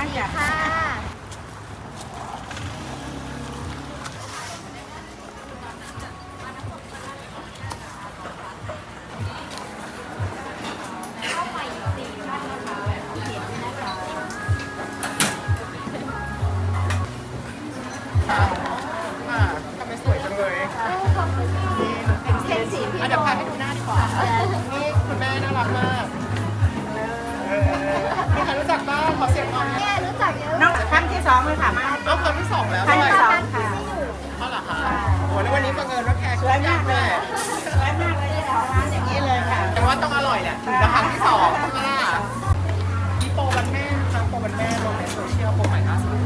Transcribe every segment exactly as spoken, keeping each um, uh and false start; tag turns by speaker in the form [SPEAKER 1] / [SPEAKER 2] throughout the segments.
[SPEAKER 1] างจ้ะค่ะ
[SPEAKER 2] ทำไมสวยจังเลยเดี๋ยวพาไปดูหน้าดีกว่านี่คุณแม่น่ารักมากมีใครรู้จักบ้างขอเสียงหน่อย
[SPEAKER 1] แม่รู้จักเยอะ
[SPEAKER 3] น้องครั้งที่สองเลยค่ะมา
[SPEAKER 2] เอาครั้งที่สองแล้ว
[SPEAKER 3] ครั้ง
[SPEAKER 2] ด้วย
[SPEAKER 3] ที่สองค่ะ
[SPEAKER 2] เท่าไหร่คะโอ้แล้ววันนี้บังเอิญว่าแขก
[SPEAKER 3] สวยมากเลย
[SPEAKER 2] แม่
[SPEAKER 3] สวยมากเลยเจ้าของร้านอย่างนี้เลยค่ะ
[SPEAKER 2] แต่ว่าต้องอร่อยแหละถึงจะครั้งที่สองค่ะมีโปรวันแม่นะคะโปรวันแม่ลงในโซเชียลโปรใหม่ล่าสุด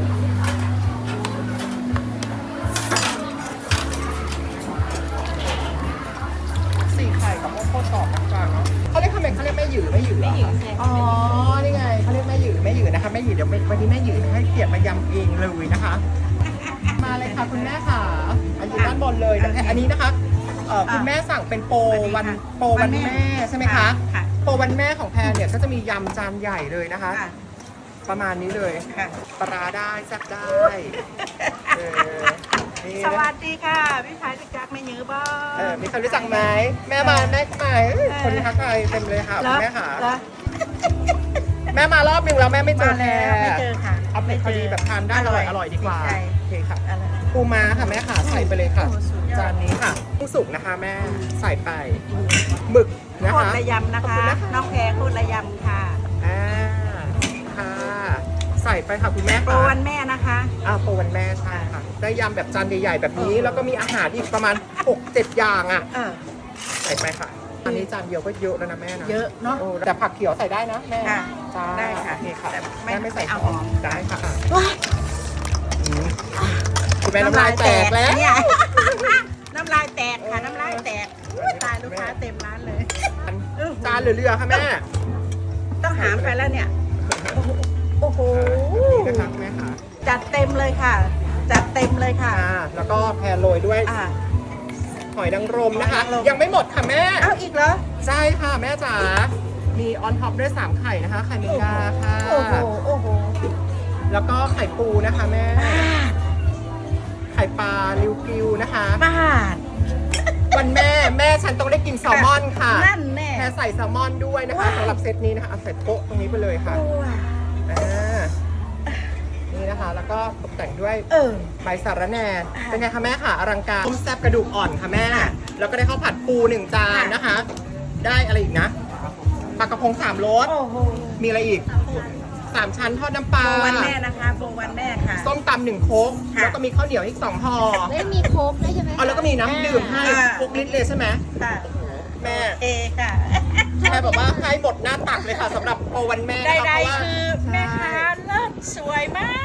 [SPEAKER 2] สี่ไข่กับโมโคตรกรอบนะจ๊ะเนาะเขาเรียกทำไมเขาเรียกแม่หยือแม่หยือไม่หยืออ๋อนี่ไงเขาเรียกแม่หยือแม่หยือนะคะแม่หยือเดี๋ยววันนี้แม่หยือให้เกียรติมายำเองเลยนะคะ มาเลยค่ะคุณแม่ค่ะอันอยู่ด้านบนเลยนะคะอันนี้นะคะเอ่อคุณแม่สั่งเป็นโปรวันโปรวันแม่ใช่ไหมคะโปรวันแม่ของแพรเนี่ยก็จะมียำจานใหญ่เลยนะคะ ประมาณนี้เลย
[SPEAKER 3] ค่ะ
[SPEAKER 2] ปลาร้าได้แซ่บได้เออนี่
[SPEAKER 3] ส
[SPEAKER 2] นะ
[SPEAKER 3] วัสดีค่ะพี่ชายรู้จักไม่ยื้อบ้า
[SPEAKER 2] เออมีใครรู้จักไหมแม่มาแม่มาเอ้ยคนทักทายเต็มเลยค่ะคุณแม่ค่ะ
[SPEAKER 3] แล้ว
[SPEAKER 2] แม่มารอบหนึงแล้วแม่ไม่เจอแพร
[SPEAKER 3] ไม่เจอค่ะ
[SPEAKER 2] เอาเป็นพอดีแบบทานได้อร่อยอร่อยดีกว่า
[SPEAKER 3] ใช่
[SPEAKER 2] โอเคค่ะ
[SPEAKER 3] อะไร
[SPEAKER 2] ปูม้าค่ะแม่ค่ะใส่ไปเลยค่ะ
[SPEAKER 3] โอ้สุดยอด
[SPEAKER 2] จานนี้ค่ะกุ้งสุกนะคะแม่ใส่ไปหมึกนะ
[SPEAKER 3] โคต
[SPEAKER 2] คะ
[SPEAKER 3] รระยำนะ
[SPEAKER 2] ขอบ
[SPEAKER 3] คะ
[SPEAKER 2] คุณนะคะ
[SPEAKER 3] น้องแพรโคตรระยำค่ะ
[SPEAKER 2] อ่าค่ะใส่ไปค่ะคุณแม่
[SPEAKER 3] โปร
[SPEAKER 2] ค่ะ
[SPEAKER 3] วันแม่นะคะ
[SPEAKER 2] อ่าโปรวันแม่ใช่ค่ะได้ยำแบบจานใหญ่ๆแบบนี้ แล้วก็มีอาหารอีกประมาณ หกเจ็ด อย่างอ่ะ
[SPEAKER 3] เออ
[SPEAKER 2] ใส่ไปค่ะอันนี้จานเดียวก็เยอะแล้วนะแม่นะ
[SPEAKER 3] เยอะเนาะ
[SPEAKER 2] โอ้แต่ผักเขียวใส่ได้นะแม่
[SPEAKER 3] ค่ะ
[SPEAKER 2] จ้า
[SPEAKER 3] ได้ค่ะ
[SPEAKER 2] โอเคค่ะ
[SPEAKER 3] แต่ไม่
[SPEAKER 2] แม่ไม่ใส่
[SPEAKER 3] ไม่เอา
[SPEAKER 2] หอม
[SPEAKER 3] หอม
[SPEAKER 2] ได้ค่ะอ่ะอืมคุณแม่น้ำลายแตกแล้ว
[SPEAKER 3] เนี่ย น้ำลายแตกค่ะน้ำลายแตกอุ๊ยตายลูกค้าเต็มร้านเลย
[SPEAKER 2] จานเหลือๆค่ะแม่
[SPEAKER 3] ต้องหามไปแล้วเนี่ย โอ้โห
[SPEAKER 2] นี่นะคะแม่ค่ะ
[SPEAKER 3] จัดเต็มเลยค่ะ จัดเต็มเลยค่ะ
[SPEAKER 2] อ่าแล้วก็แพรโรยด้วย
[SPEAKER 3] อ่า
[SPEAKER 2] หอยนางรมนะคะ
[SPEAKER 3] หอยนางรม
[SPEAKER 2] ยังไม่หมดค่ะแม่
[SPEAKER 3] เอาอีกเหรอ
[SPEAKER 2] ใช่ค่ะแม่จ๋ามีออนท็อปด้วยสามไข่นะคะ ไข่แมงดาค่ะ
[SPEAKER 3] โอ้โห โอ้โห
[SPEAKER 2] แล้วก็ไข่ปูนะคะแม่ ไข่ปลาลิวกิวนะคะ
[SPEAKER 3] บ้าน
[SPEAKER 2] วันแม่แม่ฉันต้องได้กินแซลมอนค่ะ
[SPEAKER 3] นั่นแน่
[SPEAKER 2] แพรใส่แซลมอนด้วยนะคะ
[SPEAKER 3] ว้าว
[SPEAKER 2] สำหรับเซตนี้นะคะเอาใส่โต๊ะตรงนี้ไปเลยค่ะ
[SPEAKER 3] โอ้ย
[SPEAKER 2] อ่านี่นะคะ แล้วก็ตกแต่งด้วย
[SPEAKER 3] เออ
[SPEAKER 2] ใบสาระแหน่
[SPEAKER 3] อ่า
[SPEAKER 2] เป็นไงคะแม่ค่ะอลังการต้มแซ่บกระดูกอ่อนค่ะแม่
[SPEAKER 3] ค่ะ
[SPEAKER 2] แล้วก็ได้ข้าวผัดปูหนึ่งจาน
[SPEAKER 3] ค่ะ
[SPEAKER 2] นะคะ ได้อะไรอีกนะปลากระพงสามรส
[SPEAKER 3] โอ้โห
[SPEAKER 2] มีอะไรอีกสามชั้นทอดน้ำปลา
[SPEAKER 3] โบวันแม่นะคะโบวันแม่ค่ะ
[SPEAKER 2] ส้มตำหนึ่งโค้ก
[SPEAKER 3] ค่ะ
[SPEAKER 2] แล้วก็มีข้าวเหนียวอีกสองห่อ
[SPEAKER 1] ไม่มีโค้กด้วยใช่ไหม
[SPEAKER 2] เอาแล้วก็มีน้ำดื่มให้
[SPEAKER 3] อ่า
[SPEAKER 2] ทุกลิตรเลยใช่ไหม
[SPEAKER 3] ค่ะ
[SPEAKER 2] แม่
[SPEAKER 3] เอค่ะ
[SPEAKER 2] แม่บอกว่าให้หมดหน้าตักเลยค่ะสำหรับโปรวันแม่
[SPEAKER 3] ใด
[SPEAKER 2] นะคะเพราะว่า
[SPEAKER 3] ๆคือแม่ค้าเลิศสวยมาก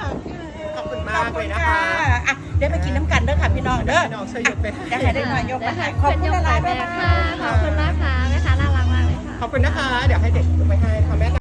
[SPEAKER 2] ขอบคุณมากเลยนะคะ
[SPEAKER 3] ขอบณอ่ะเดี๋ยวไปกินน้ำกันเด้อค่ะพี่น้องเด้อ
[SPEAKER 2] พี่น้องช่วยยกไปให้
[SPEAKER 3] เดี๋ยวให้ได้หน่อยยกมาให้ขอบคุณหลายๆ
[SPEAKER 1] แม่
[SPEAKER 3] แม่
[SPEAKER 1] ค่ะ ขอบคุณมากค่ะแม่ค้าน่ารักมากเลยค่ะ
[SPEAKER 2] ขอบคุณนะคะ เดี๋ยวให้เด็กยกไปให้ค่ะแม่